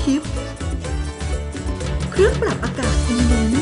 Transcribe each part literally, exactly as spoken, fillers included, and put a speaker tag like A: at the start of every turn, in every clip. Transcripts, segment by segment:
A: ทิฟต์เครื่องปรับอากาศอินเวนต์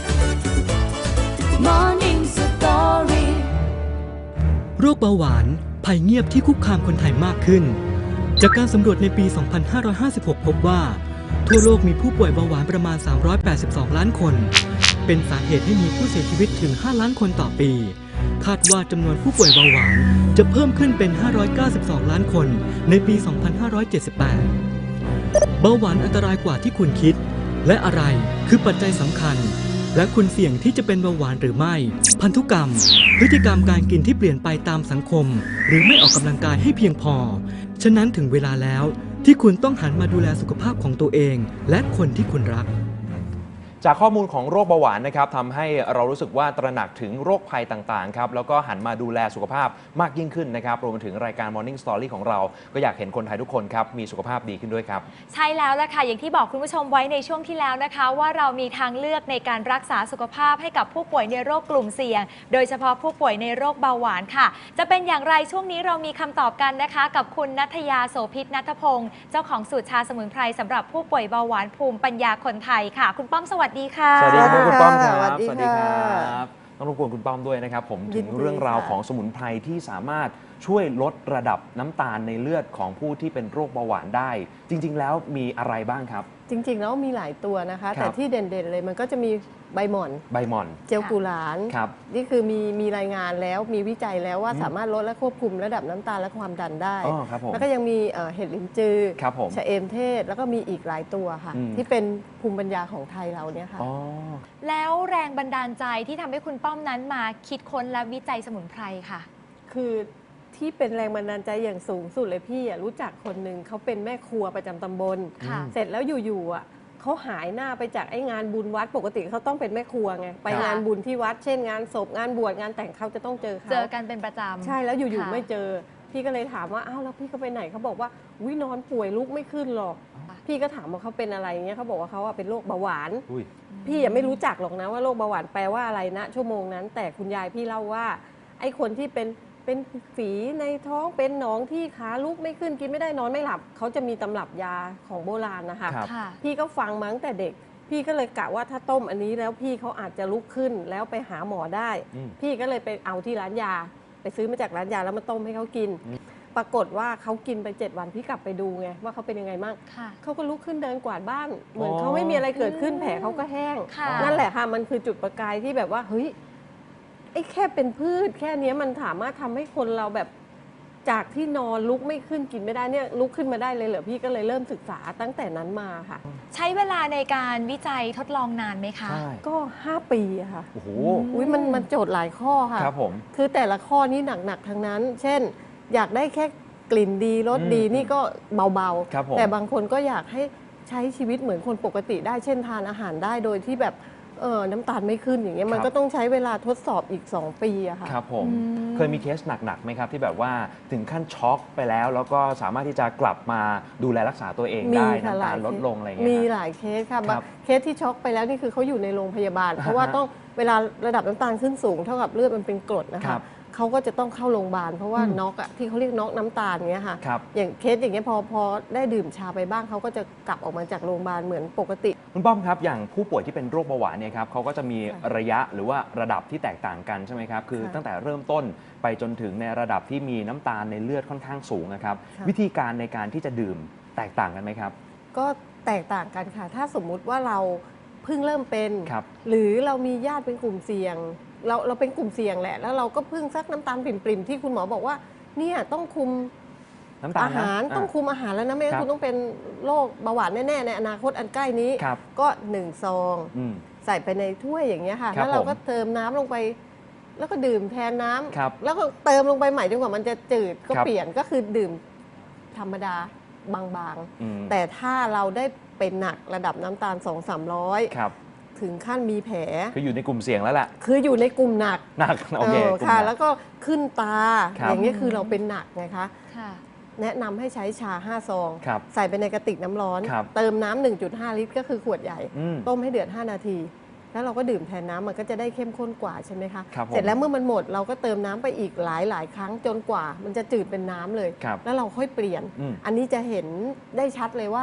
B: Morning Story
C: โรคเบาหวานภัยเงียบที่คุกคามคนไทยมากขึ้นจากการสำรวจในปี สองพันห้าร้อยห้าสิบหก พบว่าทั่วโลกมีผู้ป่วยเบาหวานประมาณ สามร้อยแปดสิบสอง ล้านคนเป็นสาเหตุให้มีผู้เสียชีวิตถึง ห้า ล้านคนต่อปีคาดว่าจำนวนผู้ป่วยเบาหวานจะเพิ่มขึ้นเป็น ห้าร้อยเก้าสิบสอง ล้านคนในปี สองพันห้าร้อยเจ็ดสิบแปด เบาหวานอันตรายกว่าที่คุณคิดและอะไรคือปัจจัยสำคัญและคุณเสี่ยงที่จะเป็นเบาหวานหรือไม่พันธุกรรมพฤติกรรมการกินที่เปลี่ยนไปตามสังคมหรือไม่ออกกำลังกายให้เพียงพอฉะนั้นถึงเวลาแล้วที่คุณต้องหันมาดูแลสุขภาพของตัวเองและคนที่คุณรัก
D: จากข้อมูลของโรคเบาหวานนะครับทำให้เรารู้สึกว่าตระหนักถึงโรคภัยต่างๆครับแล้วก็หันมาดูแลสุขภาพมากยิ่งขึ้นนะครับรวมไปถึงรายการ Morning Story ของเราก็อยากเห็นคนไทยทุกคนครับมีสุขภาพดีขึ้นด้วยครับ
E: ใช่แล้วล่ะค่ะอย่างที่บอกคุณผู้ชมไว้ในช่วงที่แล้วนะคะว่าเรามีทางเลือกในการรักษาสุขภาพให้กับผู้ป่วยในโรคกลุ่มเสี่ยงโดยเฉพาะผู้ป่วยในโรคเบาหวานค่ะจะเป็นอย่างไรช่วงนี้เรามีคำตอบกันนะคะกับคุณณัฐยาโสภิตณัฐพงศ์เจ้าของสูตรชาสมุนไพรสำหรับผู้ป่วยเบาหวานภูมิปัญญาคนไทยค่ะคุณป้อมสวัสดีค่ะ
D: สวัสดีครับคุณป้อมครับ
F: สวัสดี
D: ครับต้องรบกวนคุณป้อมด้วยนะครับผมถึงเรื่องราวของสมุนไพรที่สามารถช่วยลดระดับน้ำตาลในเลือดของผู้ที่เป็นโรคเบาหวานได้จริงๆแล้วมีอะไรบ้างครับ
F: จริงๆแล้วมีหลายตัวนะคะแต่ที่เด่นๆเลยมันก็จะมีใบหม่อน
D: ใบหม่อน
F: เจลกุหลาบนี่คือมีมีรายงานแล้วมีวิจัยแล้วว่าสามารถลดและควบคุมระดับน้ำตาลและความดันได้แล้วก็ยังมีเห็ดลิ้นจือชะเอมเทศแล้วก็มีอีกหลายตัวค่ะที่เป็นภูมิปัญญาของไทยเราเนี่ยค่ะ
E: แล้วแรงบันดาลใจที่ทำให้คุณป้อมนั้นมาคิดค้นและวิจัยสมุนไพรค่ะ
F: คือที่เป็นแรงบันดาลใจอย่างสูงสุดเลยพี่รู้จักคนหนึ่งเขาเป็นแม่ครัวประจำตำบลเสร็จแล้วอยู่ๆอ่ะเขาหายหน้าไปจากไอ้งานบุญวัดปกติเขาต้องเป็นแม่ครัวไงไปงานบุญที่วัดเช่นงานศพงานบวชงานแต่งเขาจะต้องเจอเขา
E: เจอกันเป็นประจำ
F: ใช่แล้วอยู่ๆไม่เจอพี่ก็เลยถามว่าอ้าวแล้วพี่เขาไปไหนเขาบอกว่าวินอนป่วยลุกไม่ขึ้นหรอกพี่ก็ถามว่าเขาเป็นอะไรเงี้ยเขาบอกว่าเขาเป็นโรคเบาหวานพี่ยังไม่รู้จักหรอกนะว่าโรคเบาหวานแปลว่าอะไรนะชั่วโมงนั้นแต่คุณยายพี่เล่าว่าไอ้คนที่เป็นเป็นฝีในท้องเป็นหนองที่ขาลุกไม่ขึ้นกินไม่ได้นอนไม่หลับเขาจะมีตำรับยาของโบราณนะคะพี่ก็ฟังมาตั้งแต่เด็กพี่ก็เลยกะว่าถ้าต้มอันนี้แล้วพี่เขาอาจจะลุกขึ้นแล้วไปหาหมอได้พี่ก็เลยไปเอาที่ร้านยาไปซื้อมาจากร้านยาแล้วมาต้มให้เขากินปรากฏว่าเขากินไปเจ็ดวันพี่กลับไปดูไงว่าเขาเป็นยังไงบ้างเขาก็ลุกขึ้นเดินกวาดบ้านเหมือนเขาไม่มีอะไรเกิดขึ้นแผลเขาก็แห้งนั่นแหละค่ะมันคือจุดประกายที่แบบว่าเฮ้ยไอ้แค่เป็นพืชแค่นี้มันสามารถทำให้คนเราแบบจากที่นอนลุกไม่ขึ้นกินไม่ได้เนี่ยลุกขึ้นมาได้เลยเหรอพี่ก็เลยเริ่มศึกษาตั้งแต่นั้นมาค่ะ
E: ใช้เวลาในการวิจัยทดลองนานไหมคะ
F: ก็ห้าปีอะค่ะ
D: โอ้โห
F: อุ้ยมันมันโจทย์หลายข้อค่ะ
D: ครับผม
F: คือแต่ละข้อนี้หนักๆทั้งนั้น เช่นอยากได้แค่กลิ่นดีรสดีนี่ก็เบาๆแต่บางคนก็อยากให้ใช้ชีวิตเหมือนคนปกติได้เช่นทานอาหารได้โดยที่แบบเออน้ำตาลไม่ขึ้นอย่างเงี้ยมันก็ต้องใช้เวลาทดสอบอีกสองปีอะค่ะ
D: ครับผมเคยมีเคสหนักๆไหมครับที่แบบว่าถึงขั้นช็อกไปแล้วแล้วก็สามารถที่จะกลับมาดูแลรักษาตัวเองได้น้ำตาลลดลงอะไรเงี้ย
F: มีหลายเคสค่ะเคสที่ช็อกไปแล้วนี่คือเขาอยู่ในโรงพยาบาลเพราะว่าต้องเวลาระดับน้ำตาลขึ้นสูงเท่ากับเลือดมันเป็นกรดนะคะเขาก็จะต้องเข้าโรงพยาบาลเพราะว่าน็อกอะที่เขาเรียกน็อกน้ำตาลเงี้ยค่ะอย่างเคสอย่างเงี้ยพอพอได้ดื่มชาไปบ้างเขาก็จะกลับออกมาจากโรงพยาบาลเหมือนปกติ
D: คุณป้อมครับอย่างผู้ป่วยที่เป็นโรคเบาหวานเนี่ยครับเขาก็จะมีระยะหรือว่าระดับที่แตกต่างกันใช่ไหมครับคือตั้งแต่เริ่มต้นไปจนถึงในระดับที่มีน้ำตาลในเลือดค่อนข้างสูงนะครับวิธีการในการที่จะดื่มแตกต่างกันไหมครับ
F: ก็แตกต่างกันค่ะถ้าสมมุติว่าเราเพิ่งเริ่มเป็นหรือเรามีญาติเป็นกลุ่มเสี่ยงเราเราเป็นกลุ่มเสี่ยงแหละแล้วเราก็พึ่งซักน้ำตาลปริ่มๆที่คุณหมอบอกว่าเนี่ยต้องคุมอาหารต้องคุมอาหารแล้วนะไม่งั้นคุณต้องเป็นโรคเบาหวานแน่ๆในอนาคตอันใกล้นี้ก็หนึ่งซองใส่ไปในถ้วยอย่างเงี้ยค่ะแล้วเราก็เติมน้ำลงไปแล้วก็ดื่มแทนน้ำแล้วก็เติมลงไปใหม่จนกว่ามันจะจืดก็เปลี่ยนก็คือดื่มธรรมดาบางๆแต่ถ้าเราได้เป็นหนักระดับน้ำตาล สองถึงสามร้อยถึงขั้นมีแผล
D: คืออยู่ในกลุ่มเสี่ยงแล้วแหละ
F: คืออยู่ในกลุ่มหนัก
D: หนักโอเค
F: ค่ะแล้วก็ขึ้นตาอย่างนี้คือเราเป็นหนักไงคะแนะนำให้ใช้ชาห้าซองใส่ไปในกระติกน้ำร้อนเติมน้ำ หนึ่งจุดห้า ลิตรก็คือขวดใหญ่ต้มให้เดือดห้านาทีแล้วเราก็ดื่มแทนน้ำมันก็จะได้เข้มข้นกว่าใช่ไหมคะเสร็จแล้วเมื่อมันหมดเราก็เติมน้ำไปอีกหลายหลายครั้งจนกว่ามันจะจืดเป็นน้ำเลยแล้วเราค่อยเปลี่ยนอันนี้จะเห็นได้ชัดเลยว่า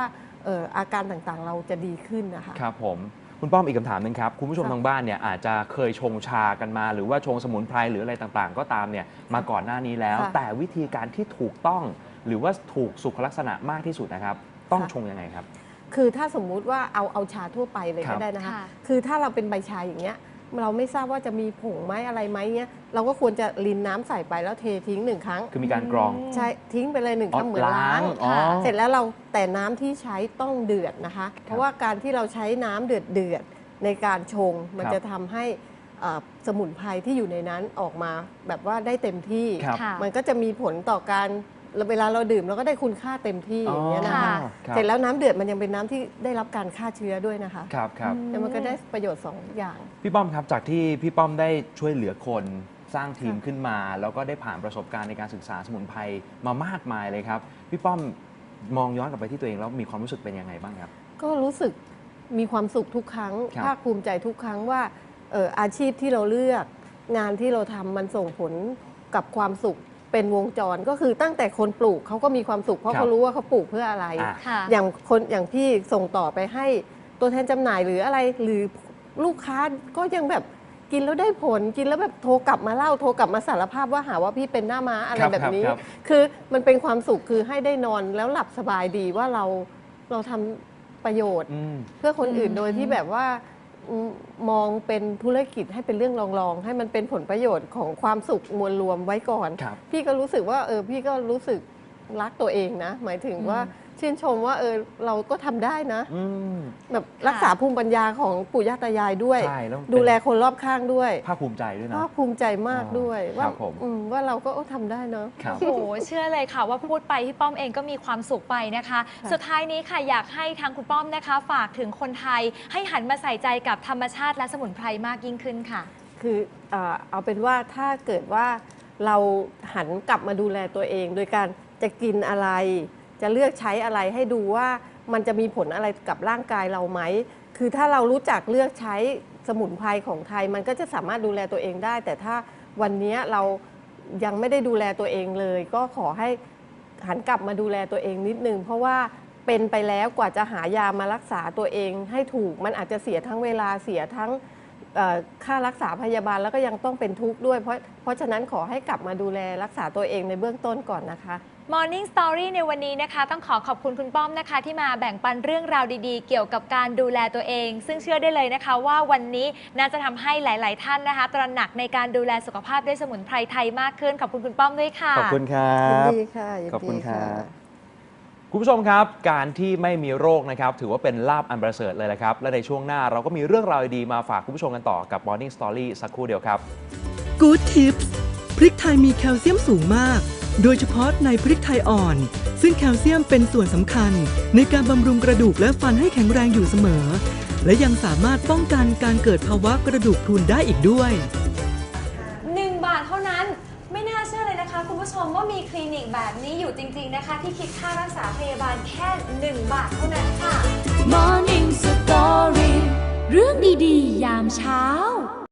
F: เอ่ออาการต่างๆเราจะดีขึ้นนะคะ
D: ครับผมคุณป้อมอีกคำถามหนึงครับคุณผู้ชม
F: ค่ะ
D: ทางบ้านเนี่ยอาจจะเคยชงชากันมา หรือว่าชงสมุนไพรหรืออะไรต่างๆ ก็ตามเนี่ยมาก่อนหน้านี้แล้ว
F: ค่ะ
D: แต่วิธีการที่ถูกต้อง หรือว่าถูกสุขลักษณะมากที่สุดนะครับ ต้อง
F: ค่ะ
D: ชงยังไงครับ
F: คือถ้าสมมุติว่าเอาเอาชาทั่วไปเลย
D: ครั
F: ก็
D: บ
F: ได้นะคะ
E: ค่ะ
F: คือถ้าเราเป็นใบชาอย่างเงี้ยเราไม่ทราบว่าจะมีผงไหมอะไรไหมเงี้ยเราก็ควรจะรินน้ำใส่ไปแล้วเททิ้งหนึ่งครั้ง
D: คือมีการกรอง
F: ใช่ทิ้งไปเลยหนึ่ง
D: อ๋อ
F: ครั้งเหมือนล้าง
D: อ๋อ
F: เสร็จแล้วเราแต่น้ำที่ใช้ต้องเดือดนะคะ เพราะว่าการที่เราใช้น้ำเดือดเดือดๆในการชง มัน
D: ครับ
F: จะทำให้เอ่อสมุนไพรที่อยู่ในนั้นออกมาแบบว่าได้เต็มที่
D: ครับ
E: ค่ะ
F: มันก็จะมีผลต่อการเวลาเราดื่มเราก็ได้คุณค่าเต็มที่อย่างเงี้ยนะคะ
E: อ๋อ
D: ครับ
F: เสร็จแล้วน้ำเดือดมันยังเป็นน้ำที่ได้รับการฆ่าเชื้อด้วยนะคะ
D: ครับครับ
F: แล้วมันก็ได้ประโยชน์สองอย่าง
D: พี่ป้อมครับจากที่พี่ป้อมได้ช่วยเหลือคนสร้างทีม
F: ค่ะ
D: ขึ้นมา แล้วก็ได้ผ่านประสบการณ์ในการศึกษาสมุนไพรมามากมายเลยครับพี่ป้อมมองย้อนกลับไปที่ตัวเองแล้วมีความรู้สึกเป็นยังไงบ้างครับ
F: ก็รู้สึกมีความสุขทุกครั้ง
D: ครับ
F: ภาคภูมิใจทุกครั้งว่าเอ่ออาชีพที่เราเลือกงานที่เราทำมันส่งผลกับความสุขเป็นวงจรก็คือตั้งแต่คนปลูกเขาก็มีความสุขเพราะเขารู้ว่าเขาปลูกเพื่ออะไร
D: อ่ะ
E: ค่ะ
F: อย่างคนอย่างพี่ส่งต่อไปให้ตัวแทนจำหน่ายหรืออะไรหรือลูกค้าก็ยังแบบกินแล้วได้ผลกินแล้วแบบโทรกลับมาเล่าโทรกลับมาสารภาพว่าหาว่าพี่เป็นหน้าม้าอะไร
D: ครับ
F: แบบนี้
D: ครับ
F: คือมันเป็นความสุขคือให้ได้นอนแล้วหลับสบายดีว่าเราเราทำประโยชน์
D: อืม
F: เพื่อคนอื่น
E: อืม
F: โดยที่แบบว่าอืมมองเป็นธุรกิจให้เป็นเรื่องรองๆ ให้มันเป็นผลประโยชน์ของความสุขมวลรวมไว้ก่อน
D: ครับ
F: พี่ก็รู้สึกว่าเออพี่ก็รู้สึกรักตัวเองนะ หมายถึงว่าชื่นชมว่าเออเราก็ทำได้นะ
D: อืม
F: แบบรักษาภูมิปัญญาของปู่ย่าตายายด้วย
D: ใช่แล้วเป็น
F: ดูแลคนรอบข้างด้วย
D: ภาคภูมิใจด้วยนะ
F: ภาคภูมิใจมากด้วย
D: อ๋อ
F: ว่า
D: ครับผม
F: อืมว่าเราก็เออทำได้เนาะ
D: ครับ
E: โอ้โหเชื่อเลยค่ะว่าพูดไปพี่ป้อมเองก็มีความสุขไปนะคะ
F: ค่ะ
E: สุดท้ายนี้ค่ะอยากให้ทางคุณป้อมนะคะ ฝากถึงคนไทย ให้หันมาใส่ใจกับธรรมชาติและสมุนไพรมากยิ่งขึ้นค่ะ
F: คือเอ่อเอาเป็นว่าถ้าเกิดว่าเราหันกลับมาดูแลตัวเอง โดยการจะกินอะไร จะเลือกใช้อะไรให้ดูว่ามันจะมีผลอะไรกับร่างกายเราไหม คือถ้าเรารู้จักเลือกใช้สมุนไพรของไทย มันก็จะสามารถดูแลตัวเองได้ แต่ถ้าวันนี้เรายังไม่ได้ดูแลตัวเองเลย ก็ขอให้หันกลับมาดูแลตัวเองนิดนึงเพราะว่าเป็นไปแล้วกว่าจะหายามารักษาตัวเองให้ถูกมันอาจจะเสียทั้งเวลาเสียทั้งเอ่อค่ารักษาพยาบาลแล้วก็ยังต้องเป็นทุกข์ด้วยเพราะเพราะฉะนั้นขอให้กลับมาดูแลรักษาตัวเองในเบื้องต้นก่อนนะคะ
E: Morning Story ในวันนี้นะคะ ต้องขอขอบคุณคุณป้อมนะคะ ที่มาแบ่งปันเรื่องราวดีๆ เกี่ยวกับการดูแลตัวเอง ซึ่งเชื่อได้เลยนะคะ ว่าวันนี้น่าจะทำให้หลาย ๆ ท่านนะคะ ตระหนักในการดูแลสุขภาพด้วยสมุนไพรไทยมากขึ้นขอบคุณคุณป้อมด้วยค่ะ
D: ขอบคุณครั
F: ยิน
D: บ
F: ดีค่ะยิน
D: ขอบคุณ
F: ดี
D: ครับ คุณผู้ชมครับ การที่ไม่มีโรคนะครับ ถือว่าเป็นลาภอันประเสริฐเลยละครับ และในช่วงหน้าเราก็มีเรื่องราวดีๆมาฝากคุณผู้ชมกันต่อกับ Morning Story สักครู่เดียวครับ
C: Good Tips พริกไทยมีแคลเซียมสูงมาก โดยเฉพาะในพริกไทยอ่อน ซึ่งแคลเซียมเป็นส่วนสำคัญ ในการบำรุงกระดูกและฟันให้แข็งแรงอยู่เสมอ และยังสามารถป้องกันการเกิดภาวะกระดูกพรุนได้อีกด้วย
E: หนึ่งบาทเท่านั้นไม่น่าเชื่อเลยนะคะ คุณผู้ชมว่ามีคลินิกแบบนี้อยู่จริง ๆ นะคะ ที่คิดค่ารักษาพยาบาลแค่หนึ่งบาทเท่านั้นค่ะ
B: Morning Story เรื่องดีๆ ยามเช้า